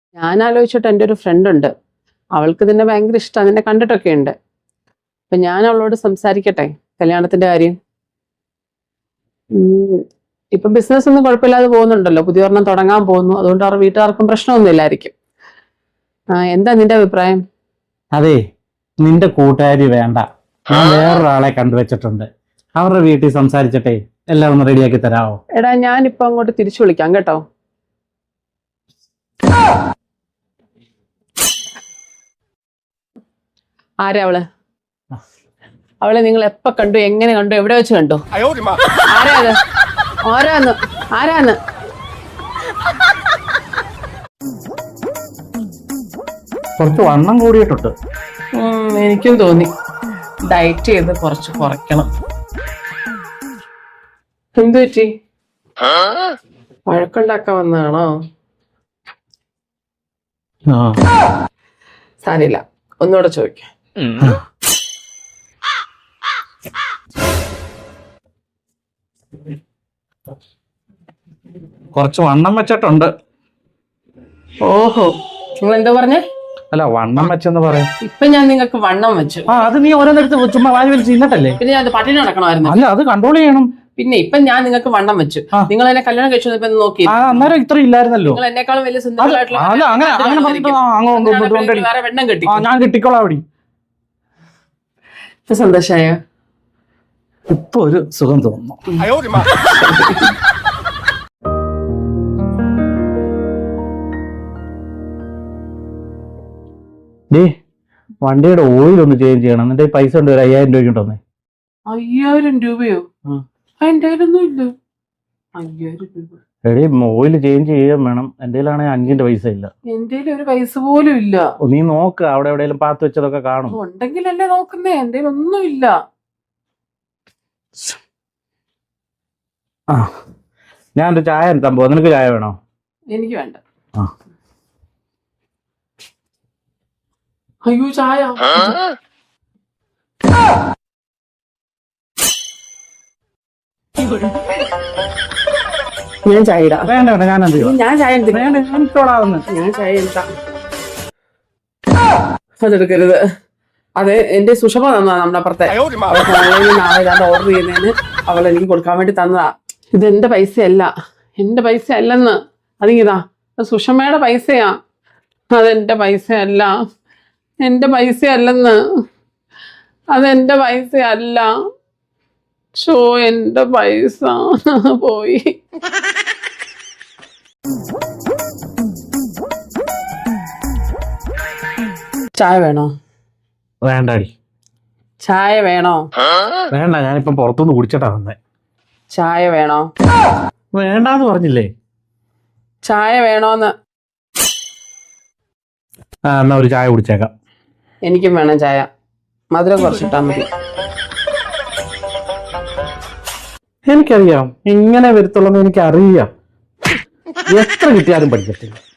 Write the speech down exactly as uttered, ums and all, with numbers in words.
ഞാൻ ആലോചിച്ചിട്ട് എൻ്റെ ഒരു ഫ്രണ്ട് ഉണ്ട്, അവൾക്ക് ഇതിനെ ഭയങ്കര ഇഷ്ടമാണ്, നിന്നെ കണ്ടിട്ടൊക്കെ ഉണ്ട്. അപ്പൊ ഞാൻ അവളോട് സംസാരിക്കട്ടെ കല്യാണത്തിന്റെ കാര്യം. ഇപ്പൊ ബിസിനസ് ഒന്നും കുഴപ്പമില്ലാതെ പോകുന്നുണ്ടല്ലോ, പുതിയ ഒരെണ്ണം തുടങ്ങാൻ പോകുന്നു, അതുകൊണ്ട് അവരുടെ വീട്ടുകാർക്കും പ്രശ്നമൊന്നും ഇല്ലായിരിക്കും. ആ എന്താ നിന്റെ അഭിപ്രായം? അതെ, നിന്റെ കൂട്ടുകാരി വേണ്ട, ഞാൻ വേറൊരാളെ കണ്ടുവച്ചിട്ടുണ്ട്, അവരുടെ വീട്ടിൽ സംസാരിച്ചിട്ടേ എല്ലാം ഒന്ന് റെഡിയാക്കി തരാമോ? എടാ ഞാനിപ്പോ അങ്ങോട്ട് തിരിച്ചു വിളിക്കാം കേട്ടോ. ആരാ അവള്? അവളെ നിങ്ങൾ എപ്പോ കണ്ടു, എങ്ങനെ കണ്ടു, എവിടെ വെച്ച് കണ്ടു? ആരാ അത്? ആരാന്ന് ആരാന്ന് കുറച്ച് വണ്ണം കൂടിയിട്ടുണ്ട്. എനിക്കും തോന്നി ഡയറ്റ് ചെയ്ത് കുറച്ച് കുറയ്ക്കണം. എന്തു പറ്റി? വഴക്കുണ്ടാക്കാൻ വന്നതാണോ? സാരില്ല, ഒന്നുകൂടെ ചോദിക്കാം. കുറച്ച് വണ്ണം വെച്ചിട്ടുണ്ട്. ഓഹോ, നിങ്ങൾ എന്താ പറഞ്ഞേ? അല്ല, വണ്ണം വെച്ചെന്ന് പറയാം. ഇപ്പൊ ഞാൻ നിങ്ങൾക്ക് വണ്ണം വെച്ചു. ആ, അത് നീ ഓരോന്നെടുത്ത് ചുമ്മാ വാരി വലിച്ച് ഇന്നട്ടല്ലേ? പിന്നെ ഞാൻ പട്ടിണി നടക്കണമായിരുന്നു. അല്ല, അത് കൺട്രോൾ ചെയ്യണം. പിന്നെ ഇപ്പൊ ഞാൻ നിങ്ങൾക്ക് വണ്ണം വെച്ചു, നിങ്ങൾ എന്നെ കല്യാണം കഴിച്ചു നോക്കി. അന്നേരം ഇത്ര ഇല്ലായിരുന്നല്ലോ. നിങ്ങൾ എന്നെക്കാളും വലിയ വെണ്ണം കെട്ടി. ഞാൻ കിട്ടിക്കോളാം അവിടെ. ഇപ്പൊ സന്തോഷായ? ഇപ്പൊ ഒരു സുഖം തോന്നുന്നു. ഡേ, വണ്ടിയുടെ ഓയിൽ ഒന്ന് ചേഞ്ച് ചെയ്യണം. എന്നിട്ട് പൈസ ഉണ്ട്, ഒരു അയ്യായിരം രൂപ ഉണ്ടോന്നേ. അയ്യായിരം രൂപയോ? എന്റെ കയ്യിലൊന്നും ഇല്ല അയ്യായിരം രൂപ. എടേ, ഓയിൽ ചേഞ്ച് ചെയ്യാൻ വേണം. എന്റെ കയ്യിലാണെങ്കിൽ അഞ്ചിന്റെ പൈസ ഇല്ല. എന്റെ ഒരു പൈസ പോലും ഇല്ല. നീ നോക്ക്, അവിടെ എവിടെയെങ്കിലും പാത്ത് വെച്ചതൊക്കെ കാണും. ഉണ്ടെങ്കിലല്ലേ നോക്കുന്നേ, എന്റെ ഒന്നും ഇല്ല. ആ, ഞാനൊരു ചായ എടുത്താൻ പോവാ. നിനക്ക് ചായ വേണോ? എനിക്ക് വേണ്ട. ആ, അയ്യോ ചായ. ഞാൻ ചായ ഇടാം. വേണ്ട വേണ്ട, ഞാൻ ഞാൻ ചായ എടുത്തോളാവുന്നു. ഞാൻ ചായ എടുക്കാം. അതെടുക്കരുത്. അതെ, എന്റെ സുഷമ തന്നതാ നമ്മുടെ അപ്പുറത്തെ. നാളെ ഞാൻ ഓർഡർ ചെയ്യുന്നതിന് അവൾ എനിക്ക് കൊടുക്കാൻ വേണ്ടി തന്നതാ. ഇത് എന്റെ പൈസയല്ല, എന്റെ പൈസ അല്ലെന്ന്. അതിങ്ങിതാ, സുഷമയുടെ പൈസയാ, അതെന്റെ പൈസയല്ല, എന്റെ പൈസ അല്ലെന്ന്. അതെന്റെ പൈസ അല്ല. ഷോ, എന്റെ പൈസ പോയി. ചായ വേണോ? വേണ്ടാടി. ചായ വേണോ? വേണ്ട, ഞാനിപ്പം പുറത്തുനിന്ന് കുടിച്ചിട്ടാ വന്നേ. ചായ വേണോ? വേണ്ടാന്ന് പറഞ്ഞില്ലേ. ചായ വേണോന്ന്. ആ, എന്നാ ഒരു ചായ കുടിച്ചേക്കാം. എനിക്കും വേണം ചായ, മധുരം കുറച്ചിട്ടാ മതി. എനിക്കറിയാം ഇങ്ങനെ വരത്തുള്ളൂ, എനിക്കറിയാം. എത്ര കിട്ടിയാലും പഠിക്കത്തില്ല.